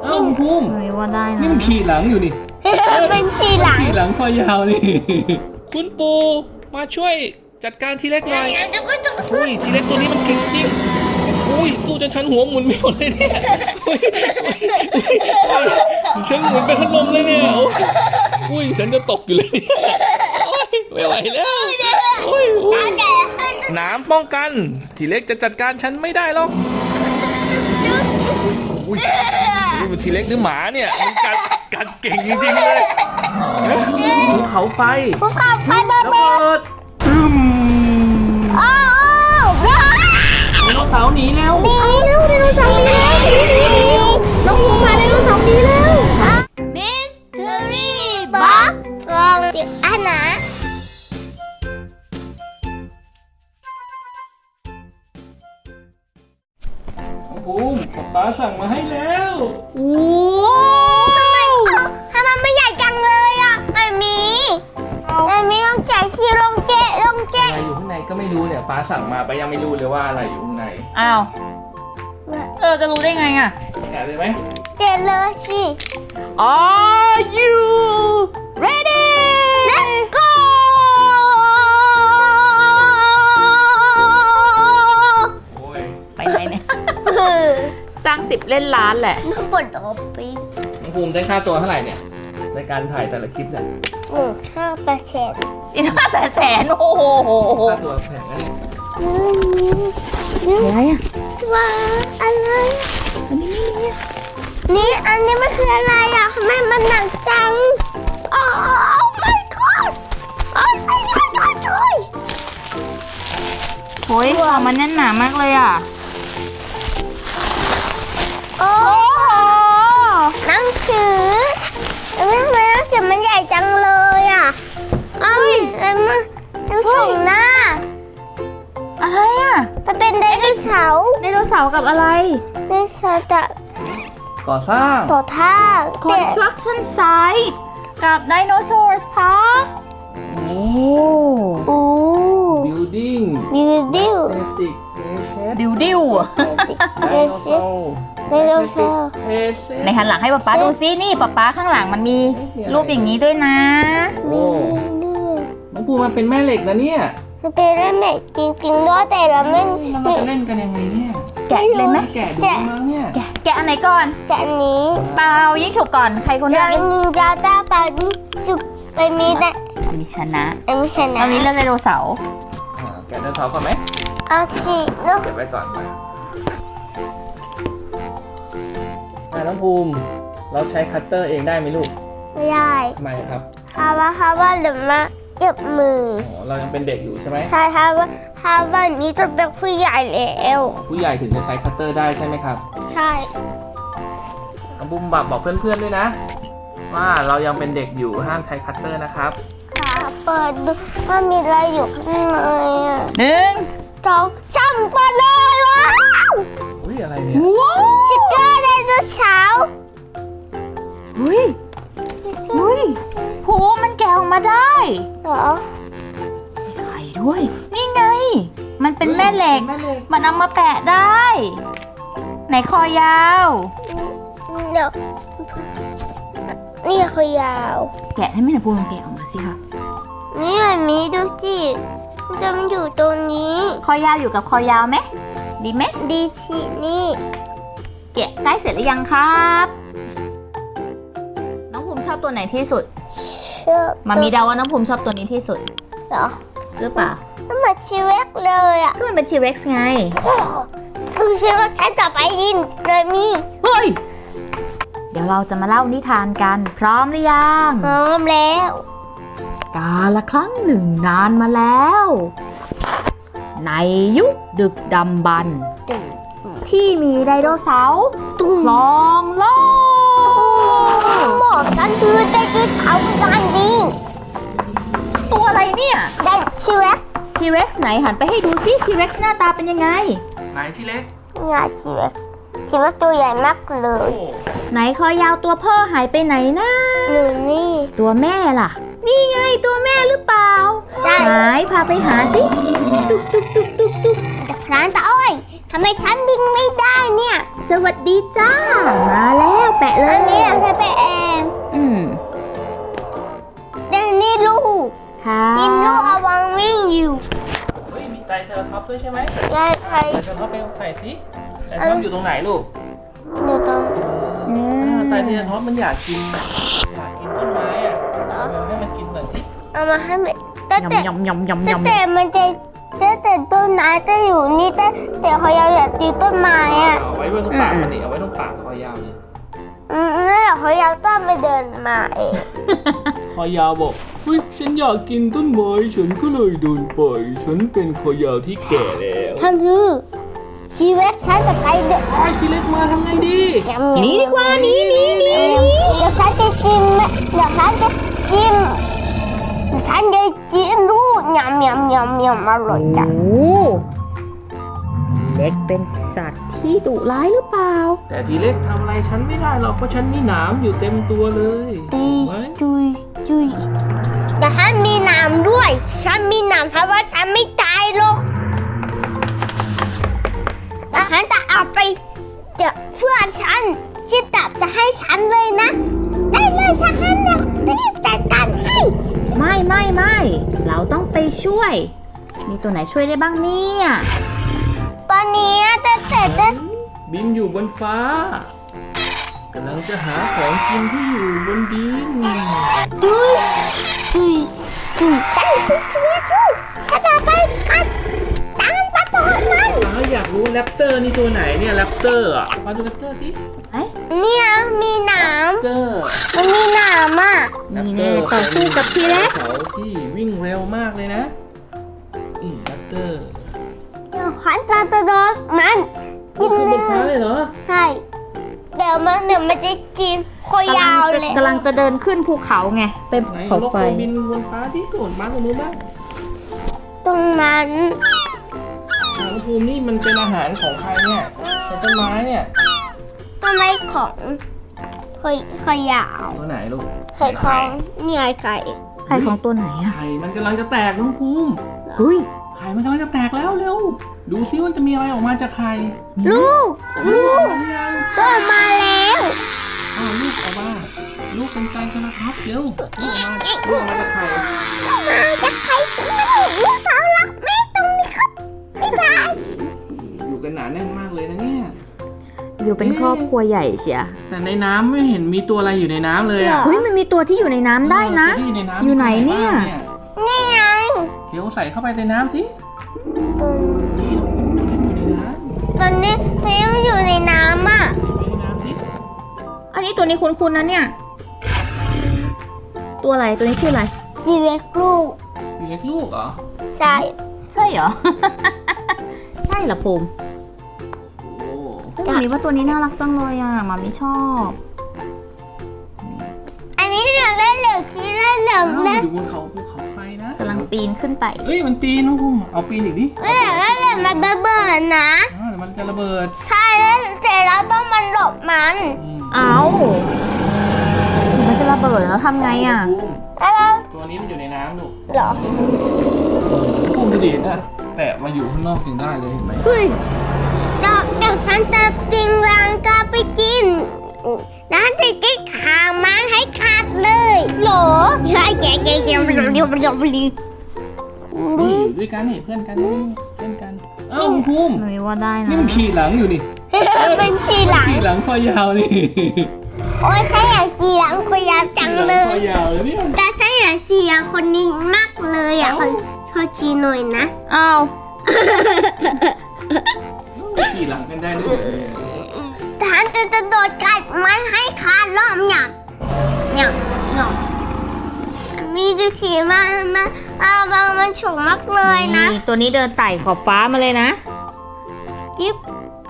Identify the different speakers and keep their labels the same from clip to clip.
Speaker 1: อ้าวคุณภูมิ
Speaker 2: เฮ้ยว่าได้นะ
Speaker 1: นี่มันขี่หลังอยู่นี่
Speaker 3: เป็นทีหลัง
Speaker 1: ขี่หลังคอยาวนี่ คุณปูมาช่วยจัดการทีเล็กหน่อยอุ้ยทีเล็กตัวนี้มันเก่งจริงอุ้ยสู้จนฉันหัวหมุนไม่หมดเลยเนี่ยอุ้ยฉันหมุนเป็นพัดลมเลยเนี่ยอุ้ยฉันจะตกอยู่เลยเนี่ยโอ้ยไม่ไหวแล้วโอ้ยน้ำป้องกันทีเล็กจะจัดการฉันไม่ได้หรอกอุ้ยนี่มันทีเล็กหรือหมาเนี่ยมันกัดเก่งจริงๆเลยภูเขาไฟ
Speaker 3: ภูเขาไฟระ
Speaker 1: ระ
Speaker 3: เบิ
Speaker 1: เบิ
Speaker 3: ด
Speaker 1: ดตึม
Speaker 3: อ้าวว้าว
Speaker 1: ไดโนเสาร์หนีแล้ว
Speaker 3: หนีเร็วไดโนเสาร์หนีแล้วน้องภูมิพาไดโนเสาร์หนีแล้วมิสเตอรี่บ็อกซ์กล่องติดอาหาร
Speaker 1: ภูมิป๊าสั่งมาให้แล้ว
Speaker 2: โอ้
Speaker 3: ทำไมมันใหญ่จังเลยอ่ะไม่มีต้องแจกที่ลงเกะ
Speaker 1: อะไรอยู่ข้างในก็ไม่รู้เนี่ยป๊าสั่งมาไปยังไม่รู้เลยว่าอะไรอยู่ข้างใน
Speaker 2: อ้าวจะรู้ได้ไงอ่ะ
Speaker 1: แกะเลยไหม
Speaker 3: เกะเลยสิ
Speaker 2: Are you ready
Speaker 3: Let's go
Speaker 1: โอ้ย
Speaker 2: ไปไหนเนี่ยจ้าง10 เล่นล้านแหละ
Speaker 3: น้องปวดหัวปี
Speaker 1: น้องภูมิได้ค่าตัวเท่าไหร่เนี่ยในการถ่ายแต่ละคลิปเนี่ย
Speaker 3: 1.5%
Speaker 2: อีก500,000โอ้โห
Speaker 1: ค่าตัวแพงนะเนี่ย
Speaker 2: อะไรอ่ะ
Speaker 3: ว่าอะไร
Speaker 2: อันนี้ไม่มี
Speaker 3: นี่อันนี้มันคืออะไรอ่ะทำไมมันหนักจังโอ้ my god โอ้ my god ช่วย
Speaker 2: โอ้ยของมันแน่นหนามากเลยอ่ะ
Speaker 3: โอ้โหหนังสือทำไมหนังสือมันใหญ่จังเลยอ่ะอ้าวแล้วมันดูชมหน้า
Speaker 2: อะไรอ่ะ
Speaker 3: มันเป็นไดโนเสาร์
Speaker 2: ไดโนเสาร์กับอะไร
Speaker 3: ไดโนเสาร์จะ
Speaker 1: ก่อสร้าง
Speaker 3: ต่อท่า
Speaker 2: Construction Site กับ Dinosaurs Park โอ้
Speaker 3: โอ้
Speaker 1: building
Speaker 3: บิวดิว
Speaker 1: static
Speaker 2: ดิวดิว
Speaker 3: เดซิ ไดโนเสาร์
Speaker 2: ในหันหลังให้ป๊าป๊าดูซินี่ป๊าป๊าข้างหลังมันมีรูปอย่างนี้ด้วยนะ
Speaker 1: โอ้น้องภูมิมันเป็นแม่เหล็กนะเนี่ย
Speaker 3: มันเป็นเล่นแบบจริงๆด้วยแต่เราไม่
Speaker 1: เราจะเล่นกันยังไงเนี่ย
Speaker 2: แกะเลยไหม
Speaker 1: แกะดูมั้งเนี่ย
Speaker 2: แกะอันไหนก่อน
Speaker 3: จะหนี้
Speaker 2: เปล่ายิ่งฉุบก่อนใครคนแร
Speaker 3: เรา
Speaker 2: ก
Speaker 3: ยิงยาตาปาจุบไปมีได้
Speaker 2: มีชนะ
Speaker 3: ไม่ชนะ
Speaker 2: ตอนนี้เลือกไดโนเสาร์
Speaker 1: แกะไดโนเสาร์ก่อนไหม
Speaker 3: เอาสิลูก
Speaker 1: เก็บไว้ก่อนน้องภูมิเราใช้คัตเตอร์เองได้ไหมลูก
Speaker 3: ไม่ได้
Speaker 1: ทำไมครับ
Speaker 3: ฮาว่าหรือมาเจ็บมือ
Speaker 1: อ๋อเรายังเป็นเด็กอยู่ใช่ไหม
Speaker 3: ใช่ฮาว่านี้จะเป็นผู้ใหญ่แล้ว
Speaker 1: ผู้ใหญ่ถึงจะใช้คัตเตอร์ได้ใช่ไหมครับ
Speaker 3: ใช่
Speaker 1: น้องบุมบอกเพื่อนๆด้วยนะ ว่าเรายังเป็นเด็กอยู่ห้ามใช้คัตเตอร์นะครับ
Speaker 3: ค่ะเปิดดูว่ามีอะไรอยู่ข้างในอ่ะ
Speaker 2: 1
Speaker 3: สองสามเปิดเลยว้าว
Speaker 1: อุ้ยอะไรเนี่ย
Speaker 2: ว้าว
Speaker 3: สติ๊กเกอร์ไดโนเสาร์
Speaker 2: เฮ้ยโหมันแกะออกมาได้
Speaker 3: เหรอ
Speaker 2: มีไข่ด้วย นี่ไง มันเป็นแม่เหล็ก
Speaker 1: แม่เหล็ก
Speaker 2: มันเอามาแปะได้ ไหนคอยาว
Speaker 3: เดี๋ยวนี่คือยาว
Speaker 2: แกะให้แม่หน่อยพูดลองแกะออกมาสิคะ
Speaker 3: นี่มันมีดูสิมันจะอยู่ตรงนี้
Speaker 2: คอยาวอยู่กับคอยาวไหมดีไหม
Speaker 3: ดีสินี่
Speaker 2: แกะใกล้เสร็จหรือยังครับ น้องภูมิชอบตัวไหนที่สุด
Speaker 3: เชื่อ
Speaker 2: มามีเดาว่าน้องภูมิชอบตัวนี้ที่สุด
Speaker 3: เหรอ
Speaker 2: หรือเปล่า
Speaker 3: มันเหมือนชีวิตเลยอ่ะ
Speaker 2: ก็มันเป็นทีเร็กซ์ไง
Speaker 3: คือชีวิตใช้ต่อไปยินเลยมี
Speaker 2: เฮ้ย เดี๋ยวเราจะมาเล่านิทานกัน พร้อมหรือยัง
Speaker 3: พร้อมแล้ว
Speaker 2: กาละครั้งหนึ่งนานมาแล้ว ในยุคดึกดำบรรพ์ที่มีไดโนเสาร์ครองโลก
Speaker 3: บอกฉันคือไดโนเสาร์ดันดี
Speaker 2: ตัวอะไรเนี่ย
Speaker 3: ไดชีวิต
Speaker 2: ทีเร็กซ์ไหนหันไปให้ดูซิทีเร็กซ์หน้าตาเป็นยังไง
Speaker 1: ไหนที่เล็ก
Speaker 3: งาชีวิตตัวใหญ่มากเล
Speaker 1: โอ้
Speaker 3: ย
Speaker 2: ไหนคอยาวตัวพ่อหายไปไหนนะ
Speaker 3: หนูนี่
Speaker 2: ตัวแม่ล่ะ นี่ไงตัวแม่หรือเปล่า
Speaker 3: ใช่
Speaker 2: หายพาไปหาสิตุ๊กตุ๊กตุ๊กตุ๊กตุ๊ก
Speaker 3: แต่พรานตาอ้อยทำไมฉันบินไม่ได้เนี่ย
Speaker 2: สวัสดีจ้า มาแล้วแปะเล
Speaker 3: อั
Speaker 2: ย
Speaker 3: นนี้เราจะไปเอง เดี๋ยวนี่ลูก
Speaker 2: ค่ะ
Speaker 3: นี่ลูกเอาวางวิ่งอยู่
Speaker 1: เฮ้ยมีไตรเซอร์ท็อปส์ด้วยใช่ไหม
Speaker 3: ยายใคร
Speaker 1: ไตรเซอร์ท็อปส์ไปใส่สิไตรเซอร์ท็อปส์อยู่ตรงไหนลูก
Speaker 3: เดี๋ยวต้อง
Speaker 1: ไตรเซอร์ท็อปส์มันอยากกินต้นไม้อะเอาให้มันกินหน่อยสิ
Speaker 3: เอามาให้มันแต่แต่
Speaker 2: ยำยำยำยำ
Speaker 3: แต่มันจะแต่ต้นไม้จะอยู่นี่แต่เขาอยากตีต้นไม้อ่ะ
Speaker 1: เอาไว้บนปากมันดิเอาไว้ตรงปากคอยาวเลย
Speaker 3: แล้วเขาอยากต้องไปเดินมาเอง
Speaker 1: คอยาวบอกเฮ้ยฉันอยากกินต้นไม้ฉันก็เลยเดินไปฉันเป็นคอยาวที่แก่แล้ว
Speaker 3: ท่านคือชีวิตฉันจะไปเดิน
Speaker 1: ไอ้ทีเล็กมาทำไงดี
Speaker 2: หนีดีกว่าหนี
Speaker 3: เดี๋ยวฉันจะกินเดี๋ยวฉันจะกินฉันจะกินลูกยำอร่อยจัง
Speaker 2: โอ้เล็กเป็นสัตว์ที่ดุร้ายหรือเปล่า
Speaker 1: แต่ทีเล็กทำอะไรฉันไม่ได้หรอกเพราะฉันมีหนามอยู่เต็มตัวเลย
Speaker 3: ตีจุยแต่ฉันมีหนามด้วยฉันมีหนามเพราะว่าฉันไม่ตายหรอกแต่ฉันจะเอาไปเดี๋ยวเพื่อนฉันที่ตับจะให้ฉันเลยนะ ได้เลยฉันเนี่ยรีบจัดการให้
Speaker 2: ไม่เราต้องไปช่วย มีตัวไหนช่วยได้บ้างเนี่ย
Speaker 3: ตอนนี้แต่
Speaker 1: บินอยู่บนฟ้ากำลังจะหาของกินที่อยู่บนดิน
Speaker 3: จุยฉันคือชีวิตลูกฉันจะไปกันตามตะโกนมัน
Speaker 1: อยากรู้แรปเตอร์นี่ตัวไหนเนี่ยแรปเตอร์อ่ะมาดูแรปเตอร์สิ
Speaker 3: เนี่ยมีหนาม
Speaker 1: แรปเตอร์
Speaker 3: มันมีหนามอ่ะ
Speaker 2: นี่แน่ต่อสู้กับทีเล็ก
Speaker 1: เขาที่วิ่งเร็วมากเลยนะแรปเตอร์
Speaker 3: เดี๋ยวฉันจะโดนมันกิ
Speaker 1: ขึ้นบนฟ้า
Speaker 3: นะ
Speaker 1: เลยเหรอ
Speaker 3: ใช่เดี๋ยวมันจะกินคอยาวเลย
Speaker 2: กำลังจะเดินขึ้นภูเขาไงไป
Speaker 1: ไหน
Speaker 2: เขา
Speaker 1: ลอง
Speaker 2: ไฟ
Speaker 1: ไปบินบนฟ้าที่โดดมาตรงนู้นบ้าง
Speaker 3: ตรงนั้น
Speaker 1: หางภูมินี่มันเป็นอาหารของใครเนี่ยใช้ต้นไม้เนี่ย
Speaker 3: ต้นไม้ของคอยาว
Speaker 1: ตัวไหนลูก
Speaker 3: ไข่ของเนี่ยไข่
Speaker 2: ใครของตัวไหนอะ
Speaker 1: ไข่มันกำลังจะแตกน้องภูมิ
Speaker 2: เฮ้ย
Speaker 1: ไข่มันกำลังจะแตกแล้วเร็วดูซิว่าจะมีอะไรออกมาจากไข่
Speaker 3: ลูก
Speaker 1: ลูกหรือยัง
Speaker 3: ก็มาแล้ว
Speaker 1: ลูกออกมาลูกเป็นไตรเซราทอปส์เร็วลูกออกมาจากไข่
Speaker 3: มาจากไข่สมุนลูกเขารักแม่ตรงนี้ครับบ๊ายบาย
Speaker 1: อยู่กันหนาแน่นมากเลยนะเนี่ย
Speaker 2: อยู่เป็นครอบครัวใหญ่เชีย
Speaker 1: แต่ในน้ำไม่เห็นมีตัวอะไรอยู่ในน้ำเลยอ่ะ
Speaker 2: เฮ้ยมันมีตัวที่อยู่ในน้ำได้นะ
Speaker 1: ตัวที่ในน้ำ
Speaker 2: อยู่ไหนเนี่ย
Speaker 3: นี่ไง
Speaker 1: เดี๋ยวใส่เข้าไปในน้ำสิ
Speaker 3: ตัว
Speaker 1: นี่อยู่ในน้ำ
Speaker 3: ตอนนี้มันอยู่ในน้ำอ่ะ
Speaker 1: อยู่ในน้ำสิ
Speaker 2: อันนี้ตัวนี้คุ้นๆนะเนี่ย ตัวอะไรตัวนี้ชื่ออะไร
Speaker 3: ชีวิตลูก
Speaker 1: อยู่เล็กลูกเหรอ
Speaker 3: ใช่
Speaker 2: ใช่เหรอ ใช่เหรอภูมิ
Speaker 1: โอ้
Speaker 2: เฮ้ยหมามีว่าตัวนี้น่ารักจังเลยอ่ะหมามีชอบ
Speaker 3: อันนี้เหลืองและเหลืองชีและเหลืองและ
Speaker 1: อยู่บนเขาภูเขาไฟนะ
Speaker 2: กำลังปีนขึ้นไป
Speaker 1: เอ้ยมันปีนน้องภูมิเอาปีนอีกดิ
Speaker 3: เหลืองและเหลืองมันเบิดนะ
Speaker 1: เดี๋ยวมันจะระเบิด
Speaker 3: ใช่แล้วเสร็จแล้วต้องมันหลบมัน
Speaker 2: เอามันจะระเบิดแล้วทำไงอ่ะ
Speaker 3: แล้วเรา
Speaker 1: ตัวนี้มันอยู่ในน้ำลูก
Speaker 3: เหรอ
Speaker 1: ภูมิดีนะแตะมาอยู่ข้างนอกยังได้เลยเห็นไหม
Speaker 2: เฮ้ย
Speaker 3: เดี๋ยวฉันจะกินรังกาไปกินน้าจะกินหางมันให้ขาดเลยเหรอเฮ้ยเจ๊
Speaker 1: นี่อยู่ด้วยกันนี่เพื่อนกันนี่เพื่อนกันเอ้าภูมิ
Speaker 2: หนูว่าได้นะ
Speaker 1: นี่มันขี่หลังอยู่นี่
Speaker 3: เป็นทีหลัง
Speaker 1: ขี่หลังคอยาวนี่
Speaker 3: โอ้ยฉันอยากขี่หลังคนยาวจังเลย
Speaker 1: คอยาวเลยเนี่ย
Speaker 3: แต่ฉันอยากขี่หลังคนนี้มากเลยอ่ะขอขี่หน่อยนะ
Speaker 2: อ้าว
Speaker 1: ขี่หลังกันได้ด้วยเหรอเนี่ย
Speaker 3: ฉันจะโดดกัดมันให้ขาดรอบเนี่ยมีดูสีมันฉุกมากเลยนะ
Speaker 2: นี่ตัวนี้เดินไต่ขอบฟ้ามาเลยนะ
Speaker 3: จิ๊บ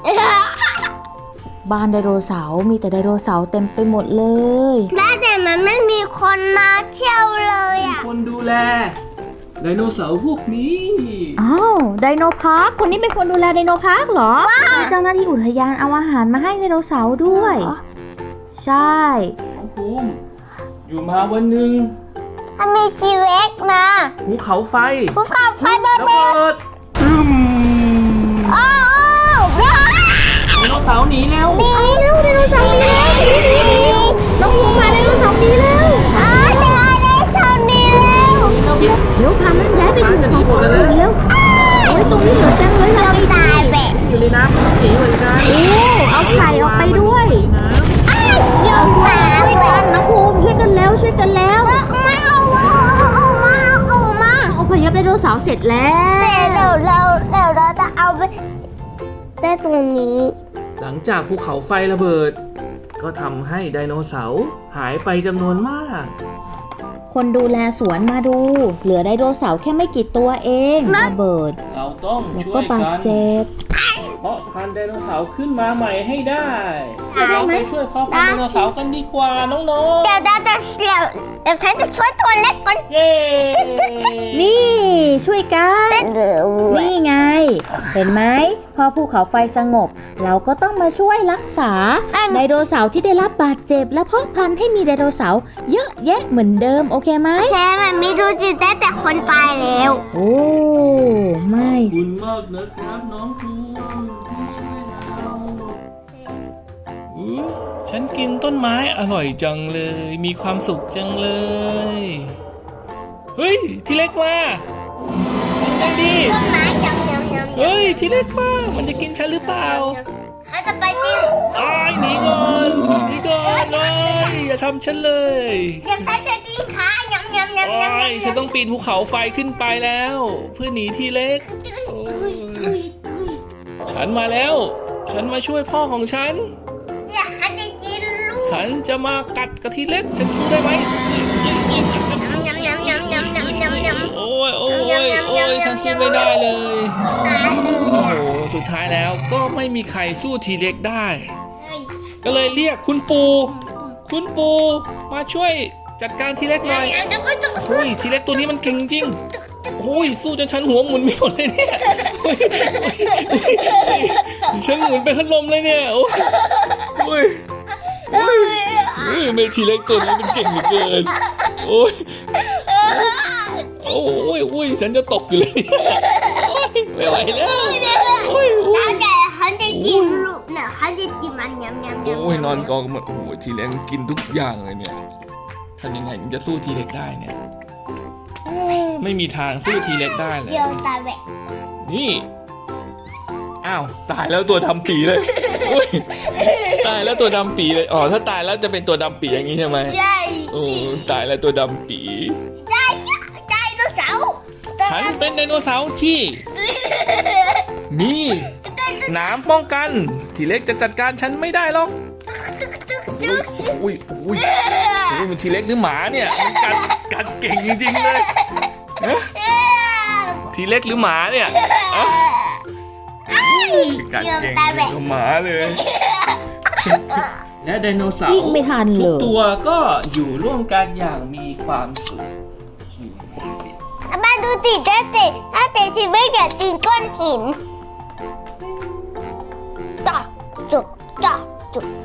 Speaker 2: บ้านไดโนเสาร์มีแต่ไดโนเสาร์เต็มไปหมดเลย
Speaker 3: แต่มันไม่มีคนมาเที่ยวเลยอ่ะ
Speaker 1: คนดูแลไดโนเสาร์พวกนี้
Speaker 2: อ้าวไดโนพาร์คคนนี้เป็นคนดูแลไดโนพาร์คเหรอมีเจ้าหน้าที่อุทยานเอาอาหารมาให้ไดโนเสาร์ด้วย ใช่
Speaker 1: น้องภูมิอยู่มาวันหนึ่ง
Speaker 3: ถ้ามีชีเว็กนะ
Speaker 1: ภูเขาไฟ
Speaker 3: ภูเขาไฟเบิ
Speaker 1: ระเบิดตึม
Speaker 3: อ้าวว้าว
Speaker 1: โนเสาร์หนีแล้ว
Speaker 3: หนีเร็วไดโนเสาร์หนีแล้วหนีน้องภูมิมาไดโนเสาร์หนีแล้วไดโนเสาร์หนีแล้ว
Speaker 2: เดี๋ยวพามันย้ายไปอยู่ของคนอื่นเร็วโอ้ยตรงนี้เหลือจังเลย
Speaker 3: เราตายแบะ
Speaker 1: อยู่ในน้ำมันหนีเหมือนกัน
Speaker 2: โอ้เอาไข่ออกไปด้วย
Speaker 3: ยก
Speaker 2: ช่วย
Speaker 3: ตา
Speaker 2: ช่วย
Speaker 3: แบะ
Speaker 2: กันน้องภูมิช่วยกันแล้วช่วยกันแล้ว
Speaker 3: ไม่เอามา
Speaker 2: อพยพไดโนเสาร์เสร็จแล้ว
Speaker 3: แต่เดี๋ยวเราจะเอาไปได้ตรงนี้
Speaker 1: หลังจากภูเขาไฟระเบิด ก็ทำให้ไดโนเสาร์หายไปจำนวนมาก
Speaker 2: คนดูแลสวนมาดู เหลือไดโนเสาร์แค่ไม่กี่ตัวเองระเบิด
Speaker 1: เราต้อง
Speaker 2: แล้ว
Speaker 1: ช่ว
Speaker 2: ก็
Speaker 1: ย
Speaker 2: บาด
Speaker 1: กัน
Speaker 2: เจ็บ
Speaker 1: เพราะพันธุ์ไดโนเสาร์ขึ้นมาใหม่ให้ได้
Speaker 2: ได้ไหม
Speaker 1: ไปช่วยพ่อพันธุ์ไดโนเสาร์กันดีกว่าน้อง
Speaker 3: เดี๋ยวฉันจะช่วยตัวเล็กก่อน
Speaker 1: ๆ เย้
Speaker 2: นี่ช่วยกัน นี่ไง เห็นไหมพอภูเขาไฟสงบ เราก็ต้องมาช่วยรักษาไดโนเสาร์ที่ได้รับบาดเจ็บ และเพาะพันธุ์ให้มีไดโนเสาร์เยอะแยะเหมือนเดิมโอเคไหม
Speaker 3: แค่มันมีดูจิตได้แต่คนตายแล้ว
Speaker 2: โอ้ไม่
Speaker 1: ขอบคุณมากนะครับน้องภูมิที่ช่วยเราฉันกินต้นไม้อร่อยจังเลย มีความสุขจังเลย เฮ้ยทีเล็กมา ดี
Speaker 3: ต้นไม้ยำ
Speaker 1: เฮ้ยทีเล็กมามันจะกินฉันหรือเปล่า
Speaker 3: เขาจะไปจริง
Speaker 1: อ้ายหนีก่อนหนีก่อนเลยอย่าทำฉันเลย
Speaker 3: เดี๋ยวฉันจะกินขายำ
Speaker 1: อ้ายฉันต้องปีนภูเขาไฟขึ้นไปแล้ว เพื่อหนีทีเล็กโอ้ยฉันมาแล้ว ฉันมาช่วยพ่อของฉัน
Speaker 3: อยากให้ได้กินลูก
Speaker 1: ฉันจะมากัดกะทิเล็กฉันสู้ได้ไหม
Speaker 3: ยำ
Speaker 1: โอ้ยโอ้ยโอ้ยฉันสู้ไม่ได้เลย
Speaker 3: ตายเล
Speaker 1: โอ้
Speaker 3: ย
Speaker 1: โหสุดท้ายแล้วก็ไม่มีใครสู้ทีเล็กได้ ก็เลยเรียกคุณปู่มาช่วยจัดการทีเล็กหน่อยโอ้ยทีเล็กตัวนี้มันเก่งจริงโอ้ยสู้จนฉันหัวหมุนไม่หมดเลยเนี่ยโอ้ยฉันหมุนเป็นพัดลมเลยเนี่ยโอ้ยไม่ทีเล็กตัวนี้มันเก่งเหลือเกินโอ้ยโอ้ยฉันจะตกอยู่เลยโอ้ยไม่ไหวแล้วโอ้ย
Speaker 3: แต่ฉันจะกินลูกเนี่ยฉันจะกินมันยำ
Speaker 1: โอ้ยนอนกองกันหมดโอ้ยทีเล็กกินทุกอย่างเลยเนี่ยทำยังไงถึงจะสู้ทีเล็กได้เนี่ยไม่มีทางสู้ทีเล็กได้เลย
Speaker 3: เดี๋ยวตายแบะ
Speaker 1: นี่อ้าวตายแล้วตัวดำปีเลยโอ้ยตายแล้วตัวดำปีเลยอ๋อถ้าตายแล้วจะเป็นตัวดำปีอย่างนี้ใช่ไหม
Speaker 3: ใช่
Speaker 1: โอ้ตายแล้วตัวดำปี
Speaker 3: ใช่ตัวเสา
Speaker 1: ฉันเป็นไดโนเสาร์ที่มีหนามป้องกันทีเล็กจะจัดการฉันไม่ได้หรอกอุ้ยมันทีเล็กหรือหมาเนี่ยมันกัดเก่งจริงๆเลยฮะทีเล็กหรือหมาเนี่ยอะกัดเก่งกว่าหมาเลย และไดโนเสาร์
Speaker 2: วิ่งไม่ทัน
Speaker 1: ทุ
Speaker 2: เล
Speaker 1: ก
Speaker 2: ย
Speaker 1: ตัวก็อยู่ร่วมกันอย่างมีความสุข
Speaker 3: มาดูติถ้าเตะทีไม่เดี๋ยวตีก้อนหินจ่อจุก